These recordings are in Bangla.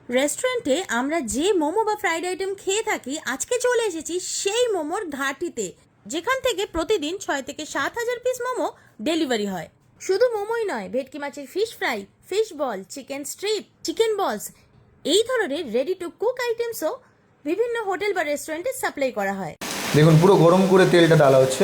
রেস্টুরেন্টে আমরা যে মোমো বা ফ্রাইড আইটেম খেয়ে থাকি, আজকে চলে এসেছি সেই মোমোর ঘাটিতে, যেখান থেকে প্রতিদিন 6 থেকে 7 হাজার পিস মোমো ডেলিভারি হয়। শুধু মোমোই নয়, ভেটকি মাছের fish fry, fish ball, chicken strip, chicken balls, এই ধরনের রেডি টু কুক আইটেমসও বিভিন্ন হোটেল বা রেস্টুরেন্টে সাপ্লাই করা হয়। দেখুন পুরো গরম করে তেলটা ডালা হচ্ছে।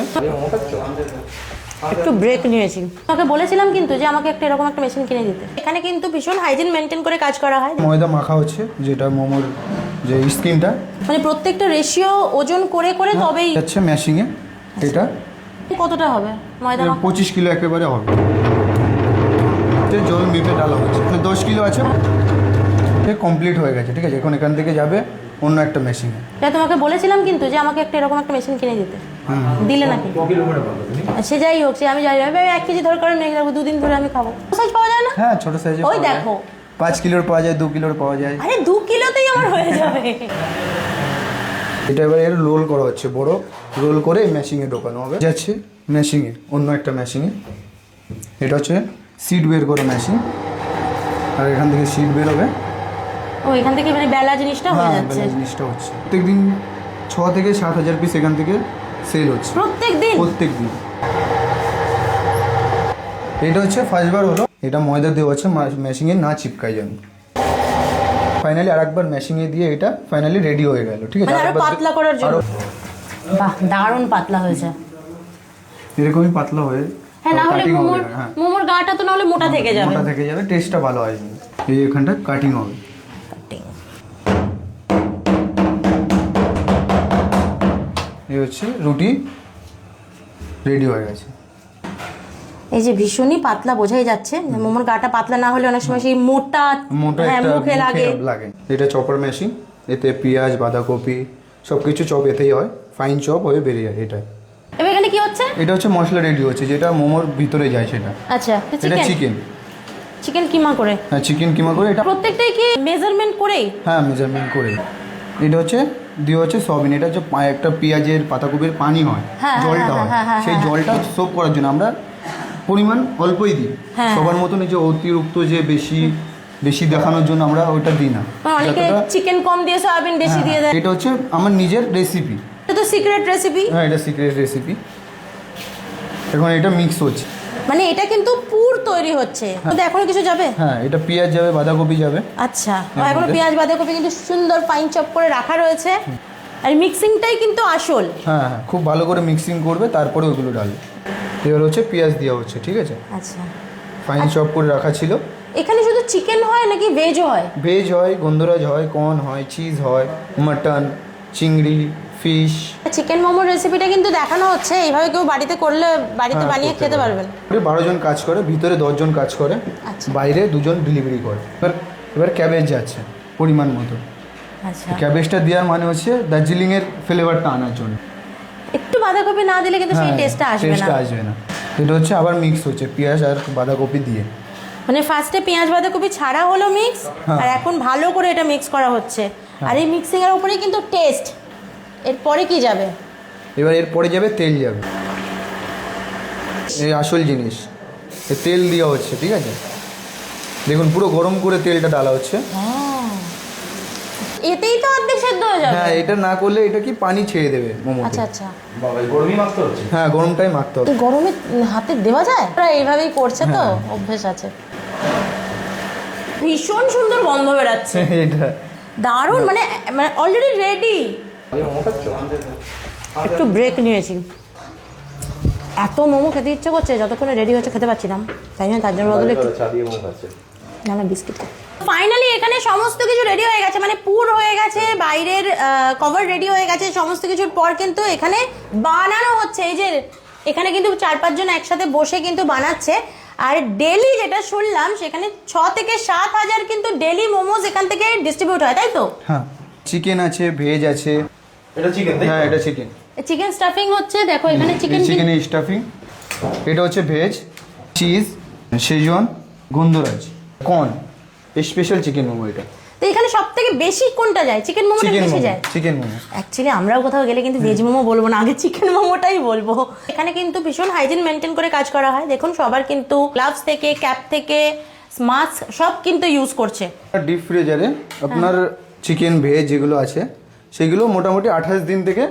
একটু ব্রেক নিয়েছি, তোমাকে বলেছিলাম কিন্তু যে আমাকে একটা এরকম একটা মেশিন কিনে দিতে। এখানে কিন্তু ভীষণ হাইজিন মেনটেন করে কাজ করা হয়। ময়দা মাখা হচ্ছে, যেটা মোমোর যে স্কিনটা, মানে প্রত্যেকটা রেশিও ওজন করে করে তবেই যাচ্ছে ম্যাশিং এ। এটা কতটা হবে ময়দা মাখা? 25 কিলো একেবারে হবে। জল মেপে ডালা হচ্ছে, 10 কিলো আছে, কমপ্লিট হয়ে গেছে। ঠিক আছে, এখন এখান থেকে যাবে অন্য একটা মেশিনে। তোমাকে বলেছিলাম কিন্তু যে আমাকে একটা এরকম একটা মেশিন কিনে দিতে, দিলে নাকি? সে যাই হোক, সে আমি যাই 1 কেজি দরকার নেই, 2 দিন ধরে আমি খাবো। সাইজ পাওয়া যায় না? হ্যাঁ, ছোট সাইজে ওই দেখো, 5 কিলোর পাওয়া যায়, 2 কিলোর পাওয়া যায়। আরে 2 কিলোতেই আমার হয়ে যাবে। এটা এবার এর রোল করা হচ্ছে, বড় রোল করে মেশিনে ঢোকানো হবে। যাচ্ছে মেশিনে, অন্য একটা মেশিনে। এটা হচ্ছে সিড বের করে মেশিন, আর এখান থেকে সিড বের হবে। ও, এখান থেকে মানে বেলা জিনিসটা হয়ে যাচ্ছে। বেলা জিনিসটা হচ্ছে প্রত্যেকদিন 6 থেকে 7 হাজার পিস এখান থেকে সেল হচ্ছে প্রত্যেক দিন। এটা হচ্ছে ফার্স্টবার হলো, এটা ময়দা দেওয়া হচ্ছে মেশিনে না চিপকায় যেন। ফাইনালি আরেকবার মেশিনে দিয়ে এটা ফাইনালি রেডি হয়ে গেল। ঠিক আছে, আরো পাতলা করার জন্য। বাহ, দারুণ পাতলা হয়েছে। এরকমই পাতলা হয়ে, হ্যাঁ, না হলে মোমোর গাটা তো না হলে মোটা থেকে যাবে। মোটা থেকে যাবে, টেস্টটা ভালো হয়। এই এখানটা কাটিং হবে। এই হচ্ছে রুটি রেডি হয়ে গেছে। এই যে ভীষণই পাতলা, বোঝাই যাচ্ছে মোমোর গাটা পাতলা না হলে অনেক সময় সেই মোটা মুখে লাগে। এটা চপার মেশিন, এতে পেঁয়াজ, বাঁধাকপি সবকিছু চপ এতেই হয়, ফাইন চপ হয়ে বেরিয়ে যায়। এটা এবার এখানে কি হচ্ছে? এটা হচ্ছে মশলা রেডি হচ্ছে, যেটা মোমোর ভিতরে যায় সেটা। আচ্ছা, এটা চিকেন কিমা করে। হ্যাঁ, চিকেন কিমা করে। এটা প্রত্যেকটাই কি মেজারমেন্ট করেই? হ্যাঁ, মেজারমেন্ট করে। এটা হচ্ছে দিয়ে হচ্ছে সয়াবিন। এটা হচ্ছে একটা পেঁয়াজের পাতাকপির পানি হয়, জলটা হয়, সেই জলটা সোপ করার জন্য আমরা পরিমাণ অল্পই দিই। সবার মতন যে অতিরিক্ত যে বেশি দেখানোর জন্য আমরা ওইটা দিই না। অনেকে চিকেন কম দিয়ে সয়াবিন বেশি দিয়ে দেয়। এটা হচ্ছে আমার নিজের রেসিপি। এটা তো সিক্রেট রেসিপি। হ্যাঁ, এটা সিক্রেট রেসিপি। এখন এটা মিক্স হচ্ছে, মানে এটা কিন্তু পুর তৈরি হচ্ছে। তো এখনো কিছু যাবে? হ্যাঁ, এটা পেঁয়াজ যাবে, বাঁধাকপি যাবে। আচ্ছা, এখনো পেঁয়াজ বাঁধাকপি কিন্তু সুন্দর ফাইন চপ করে রাখা রয়েছে। আর মিক্সিংটাই কিন্তু আসল। হ্যাঁ, খুব ভালো করে মিক্সিং করবে, তারপরে ওগুলো ডালবে। এবার হচ্ছে পেঁয়াজ দেওয়া হচ্ছে। ঠিক আছে, আচ্ছা, ফাইন চপ করে রাখা ছিল। এখানে শুধু চিকেন হয় নাকি ভেজ হয়? ভেজ হয়, গন্ধরাজ হয়, কর্ন হয়, চিজ হয়, মাটন, চিংড়ি, ফিশ। চিকেন মোমোর রেসিপিটা কিন্তু দেখানো হচ্ছে, এইভাবে কেউ বাড়িতে করলে বাড়িতে বানিয়ে খেতে পারবেন। 12 জন কাজ করে, ভিতরে 10 জন কাজ করে, বাইরে 2 জন ডেলিভারি করে। এবার ক্যাবেজ যাচ্ছে পরিমাণ মতো। আচ্ছা, ক্যাবেজটা দেওয়ার মানে হচ্ছে দার্জিলিংয়ের ফ্লেভারটা আনার জন্য। একটু বাঁধাকপি না দিলে কিন্তু সেই টেস্টটা আসবে না। এটা হচ্ছে আবার মিক্স হচ্ছে পেঁয়াজ আর বাঁধাকপি দিয়ে। মানে ফার্স্টে পেঁয়াজ বাঁধাকপি ছাড়া হলো মিক্স, আর এখন ভালো করে এটা মিক্স করা হচ্ছে। আর এই মিক্সিং এর উপরেই কিন্তু টেস্ট। এরপরে কি যাবে? এবার এরপরে যাবে তেল যাবে, এই আসল জিনিস। তেল দেওয়া হচ্ছে। ঠিক আছে, দেখুন পুরো গরম করে তেলটা ডালা হচ্ছে। এতেই তো অর্ধেক সেদ্ধ হয়ে যাবে। হ্যাঁ, এটা না করলে এটা কি পানি ছেড়ে দেবে মোমোতে। আচ্ছা আচ্ছা, গরমই মাখতে হচ্ছে। হ্যাঁ, গরমটাই মাখতে হবে। গরমে হাতে দেওয়া যায়? ওরা এইভাবেই করছে তো, অভ্যেস আছে। ভীষণ সুন্দর গন্ধ বেরাচ্ছে। এটা দারুণ, মানে অলরেডি রেডি। একটু ব্রেক নিয়েছি, এত মোমো খেতে ইচ্ছে করছে, যতক্ষণে রেডি হচ্ছে খেতে পাচ্ছিলাম, তাই জন্য তার জন্য বদলে একটু না বিস্কিট। ফাইনালি এখানে সমস্ত কিছু রেডি হয়ে গেছে, মানে পুর হয়ে গেছে, বাইরের কভার রেডি হয়ে গেছে। সমস্ত কিছুর পর কিন্তু এখানে বানানো হচ্ছে। এই যে এখানে কিন্তু 4-5 জন একসাথে বসে কিন্তু বানাচ্ছে। আর ডেলি যেটা শুনলাম, সেখানে 6 থেকে 7 হাজার কিন্তু ডেলি মোমোজ এখান থেকে ডিস্ট্রিবিউট হয়, তাই তো? হ্যাঁ, চিকেন আছে, ভেজ আছে। এটা চিকেন? হ্যাঁ, এটা চিকেন। চিকেন স্টাফিং হচ্ছে, দেখো এখানে চিকেনের স্টাফিং। এটা হচ্ছে ভেজ, চিজ, শেজওয়ান, গন্ধরাজ, কর্ন, স্পেশাল চিকেন মোমো। এটা তো এখানে সবথেকে বেশি কোনটা যায়? চিকেন মোমোটা বেশি যায়। চিকেন মোমো। অ্যাকচুয়ালি আমরাও কোথাও গেলে কিন্তু ভেজ মোমো বলবো না, আগে চিকেন মোমোটাই বলবো। এখানে কিন্তু ভীষণ হাইজিন মেনটেন করে কাজ করা হয়। দেখুন, সবার কিন্তু গ্লাভস থেকে, ক্যাপ থেকে, মাছ সব কিন্তু ইউজ করছে। ডিপ ফ্রিজারে আপনার চিকেন ভেজ যেগুলো আছে সেগুলো মোটামুটি 28 দিন থেকে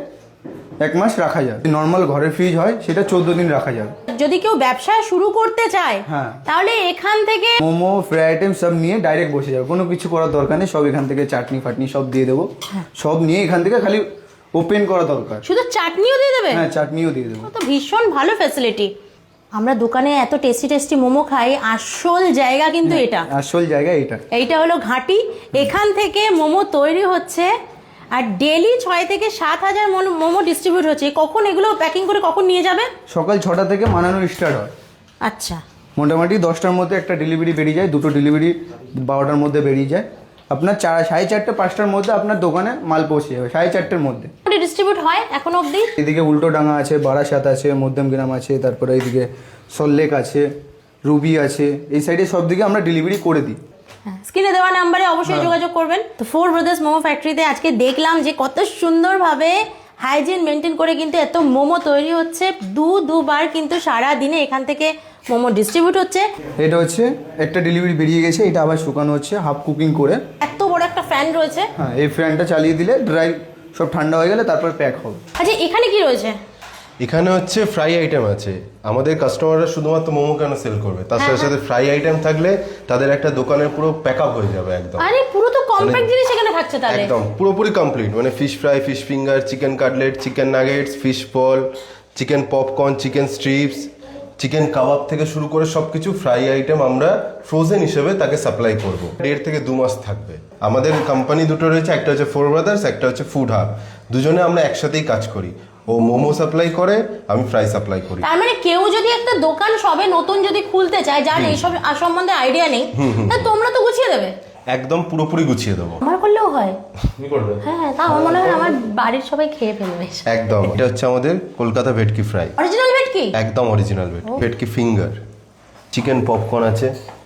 1 মাস রাখা যায়। নর্মাল ঘরে ফ্রিজ হয় সেটা 14 দিন রাখা যাবে। যদি কেউ ব্যবসা শুরু করতে চায় তাহলে এখান থেকে মোমো ফ্রাই আইটেম সব নিয়ে ডাইরেক্ট বসে যাবে, কোনো কিছু করার দরকার নেই। সব এখান থেকে চাটনি ফাটনি সব দিয়ে দেবো, সব নিয়ে এখান থেকে খালি ওপেন করা দরকার। শুধু চাটনিও দিয়ে দেবে? হ্যাঁ, চাটনিও দিয়ে দেবো। তো ভীষণ ভালো ফ্যাসিলিটি। আমরা দোকানে এত টেস্টি টেস্টি মোমো খাই, আসল জায়গা কিন্তু এটা, আসল জায়গা এইটা হলো ঘাঁটি। এখান থেকে মোমো তৈরি হচ্ছে আর ডেলি 6 থেকে 7 হাজার মোমো ডিস্ট্রিবিউট হচ্ছে। কখন এগুলো প্যাকিং করে কখন নিয়ে যাবে? সকাল 6টা থেকে বানানো স্টার্ট হয়। আচ্ছা, মোটামুটি 10টার মধ্যে একটা ডেলিভারি বেরিয়ে যায়, 2টো ডেলিভারি 12টার মধ্যে বেরিয়ে যায়। আপনার 4:30 5টার মধ্যে আপনার দোকানে মাল পৌঁছে যাবে, 4:30টার মধ্যে ডিস্ট্রিবিউট হয় এখন অবধি। এদিকে উল্টোডাঙ্গা আছে, বারাসাত আছে, মধ্যমগ্রাম আছে, তারপরে এইদিকে সল্লেক আছে, রুবি আছে, এই সাইডে সব দিকে আমরা ডেলিভারি করে দিই। স্ক্রিনে দেওয়া নাম্বারে অবশ্যই যোগাযোগ করবেন। তো ফোর ব্রাদার্স মোমো ফ্যাক্টরিতে আজকে দেখলাম যে কত সুন্দরভাবে হাইজিন মেনটেন করে কিন্তু এত মোমো তৈরি হচ্ছে। দুবার কিন্তু সারা দিনে এখান থেকে মোমো ডিস্ট্রিবিউট হচ্ছে। এটা হচ্ছে একটা ডেলিভারি বেরিয়ে গেছে, এটা আবার শুকানো হচ্ছে হাফ কুকিং করে। এত বড় একটা ফ্যান রয়েছে। হ্যাঁ, এই ফ্যানটা চালিয়ে দিলে ড্রাই সব ঠান্ডা হয়ে গেলে তারপর প্যাক হবে। আচ্ছা, এখানে কি রয়েছে? এখানে হচ্ছে ফ্রাই আইটেম আছে। আমাদের কাস্টমাররা শুধুমাত্র মোমো কেন সেল করবে, তার সাথে সাথে ফ্রাই আইটেম থাকলে তাদের একটা দোকানের পুরো প্যাক আপ হয়ে যাবে একদম। আরে পুরো তো কমপ্লিট জিনিস এখানে থাকছে তাহলে। একদম পুরোপুরি কমপ্লিট, মানে fish fry, fish finger, chicken cutlet, chicken nuggets, fish ball, chicken popcorn, chicken strips, chicken kebab থেকে শুরু করে সবকিছু ফ্রাই আইটেম আমরা ফ্রোজেন হিসেবে তাকে সাপ্লাই করব। 1.5 থেকে 2 মাস থাকবে। আমাদের কোম্পানি দুটো রয়েছে, একটা হচ্ছে ফোর ব্রাদার্স, একটা হচ্ছে ফুড হাব। দুজনে আমরা একসাথেই কাজ করি। ও মোমো সাপ্লাই করে, আমি ফ্রাই সাপ্লাই করি। তার মানে কেউ যদি একটা দোকান সবে নতুন যদি খুলতে চায়, যার এইসব সম্বন্ধে আইডিয়া নেই, তাহলে তোমরা তো গুছিয়ে দেবে। একদম পুরোপুরি গুছিয়ে দেবো। আমার করলেও হয়। কি করবে? হ্যাঁ, তা আমার মনে হয় আমার বাড়ির সবাই খেয়ে ফেলবে। একদম। এটা হচ্ছে আমাদের কলকাতা ভেটকি ফ্রাই, অরিজিনাল ভেটকি? একদম অরিজিনাল ভেটকি ফিঙ্গার। চিকেন পপকর্ন আছে,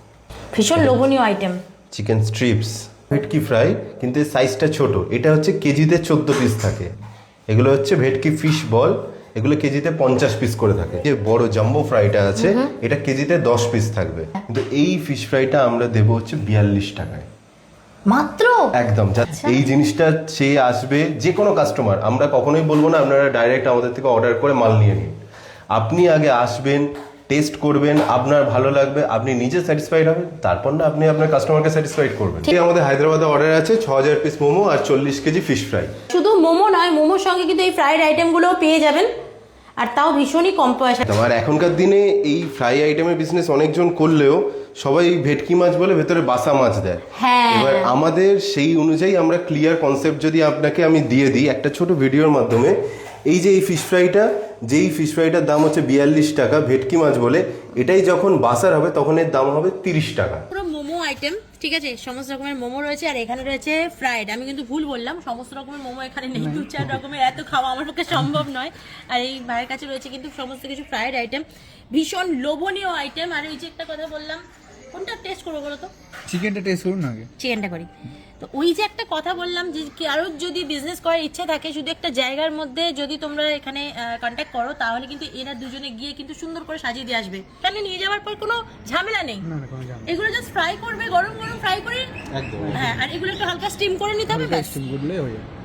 ভীষণ লোভনীয় আইটেম। চিকেন স্ট্রিপস, ভেটকি ফ্রাই, কিন্তু এর সাইজটা ছোট। এটা হচ্ছে কেজিতে 14 পিস থাকে। এগুলো হচ্ছে ভেটকি ফিশ বল, এগুলো কেজিতে 50 পিস করে থাকে। যে বড় জাম্বো ফ্রাইটা আছে এটা কেজিতে 10 পিস থাকবে। কিন্তু এই ফিশ ফ্রাইটা আমরা দেবো হচ্ছে 42 টাকায় মাত্র। একদম। এই জিনিসটা সে আসবে, যে কোনো কাস্টমার, আমরা কখনোই বলবো না আপনারা ডাইরেক্ট আমাদের থেকে অর্ডার করে মাল নিয়ে নিন। আপনি আগে আসবেন, টেস্ট করবেন, আপনার ভালো লাগবে, আপনি নিজে স্যাটিসফাইড হবেন, তারপর না আপনি আপনার কাস্টমারকে স্যাটিসফাইড করবেন। আমাদের হায়দ্রাবাদে অর্ডার আছে 6000 পিস মোমো আর 40 কেজি ফিশ ফ্রাই। শুধু মোমো নয়, মোমোর সঙ্গে কিন্তু এই ফ্রাইড আইটেমগুলোও পেয়ে যাবেন, আর তাও ভীষণই কম পয়সা। আর এখনকার দিনে এই ফ্রাই আইটেমের বিজনেস অনেকজন করলেও সবাই ভেটকি মাছ বলে ভেতরে বাসা মাছ দেয়। এবার আমাদের সেই অনুযায়ী আমরা ক্লিয়ার কনসেপ্ট যদি আপনাকে আমি দিয়ে দিই একটা ছোট ভিডিওর মাধ্যমে। এই যে এই ফিশ ফ্রাইটা, যেই ফিশ ফ্রাইটার দাম হচ্ছে 42 টাকা ভেটকি মাছ বলে, এটাই যখন বাসার হবে তখন এর দাম হবে 30 টাকা। পুরো মোমো আইটেম, ঠিক আছে, সমস্ত রকমের মোমো রয়েছে। আর এখানে রয়েছে ফ্রাইড। আমি কিন্তু ভুল বললাম, সমস্ত রকমের মোমো এখানে নেই, 2-4 রকমের এত খাওয়া আমার পক্ষে সম্ভব নয়। আর এই ভাইয়ের কাছে রয়েছে কিন্তু সমস্ত কিছু ফ্রাইড আইটেম, ভীষণ লোভনীয় আইটেম। আর ওই যে একটা কথা বললাম, কোনটা টেস্ট করবো বলো তো? চিকেনটা টেস্ট করুন আগে। চিকেনটা করি। তো ওই যে একটা কথা বললাম যে কারোর যদি বিজনেস করার ইচ্ছা থাকে, শুধু একটা জায়গার মধ্যে যদি তোমরা এখানে কন্ট্যাক্ট করো, তাহলে কিন্তু এরা দুজনে গিয়ে কিন্তু সুন্দর করে সাজিয়ে দিয়ে আসবে। তাহলে নিয়ে যাওয়ার পর কোনো ঝামেলা নেই। এগুলো জাস্ট ফ্রাই করবে, গরম গরম ফ্রাই করে। হ্যাঁ, আর এগুলো একটু হালকা স্টিম করে নিতে হবে, ব্যাস। স্টিম করলে হয়ে যাবে।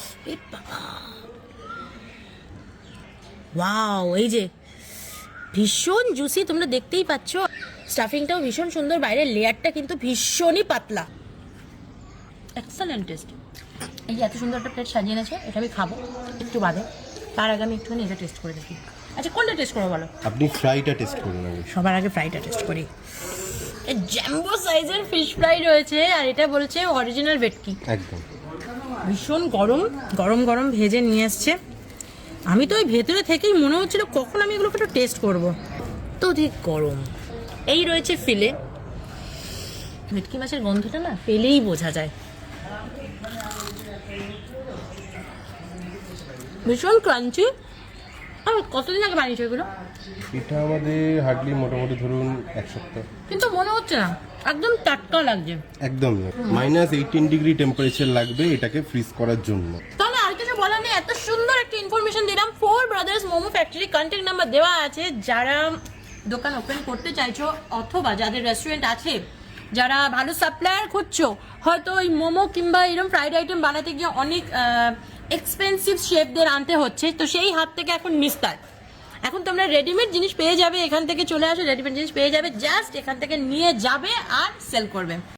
ওয়াও, এই যে ভীষণ জুসি, তোমরা দেখতেই পাচ্ছ। স্টাফিংটাও ভীষণ সুন্দর, বাইরের লেয়ারটা কিন্তু ভীষণই পাতলা। Excellent taste. এই যে এত সুন্দর একটা প্লেট সাজিয়ে এনেছে, এটা আমি খাবো একটু বাদে। তার আগে আমি একটুখানি এটা টেস্ট করে দেখি। আচ্ছা, কোনটা টেস্ট করবো বলো? আপনি ফ্রাইটা টেস্ট করুন আগে। সবার আগে ফ্রাইটা টেস্ট করি। জ্যাম্বো সাইজের ফিশ ফ্রাই রয়েছে, আর এটা বলছে অরিজিনাল ভেটকি। একদম ভীষণ গরম গরম গরম ভেজে নিয়ে আসছে। আমি তো ওই ভেতরে থেকেই মনে হচ্ছিল কখন আমি এগুলোকে একটু টেস্ট করবো, তো ঠিক গরম। এই রয়েছে ফিলে। ভেটকি মাছের গন্ধটা না পেলেই বোঝা যায়। ভীষণ ক্রাঞ্চি। আর কতদিন আগে বানিয়েছো এগুলো? এটা আমাদের হার্ডলি মোটামুটি ধরুন 1 সপ্তাহ। কিন্তু মনে হচ্ছে না, একদম টাটকা লাগছে। একদম -18 ডিগ্রি টেম্পারেচার লাগবে এটাকে ফ্রিজ করার জন্য। তাহলে আর কিছু বলার নেই, এত সুন্দর একটা ইনফরমেশন দিলাম। Four brothers momo factory, contact number দেওয়া আছে। যারা দোকান ওপেন করতে চাইছো অথবা যাদের রেস্টুরেন্ট আছে যারা ভালো সাপ্লায়ার খুঁজছো, হয়তো ওই মোমো কিংবা এরকম ফ্রাইড আইটেম বানাতে গিয়ে অনেক এক্সপেন্সিভ শেফদের আনতে হচ্ছে, তো সেই হাত থেকে এখন নিস্তার। এখন তোমরা রেডিমেড জিনিস পেয়ে যাবে, এখান থেকে চলে আসো, রেডিমেড জিনিস পেয়ে যাবে, জাস্ট এখান থেকে নিয়ে যাবে আর সেল করবে।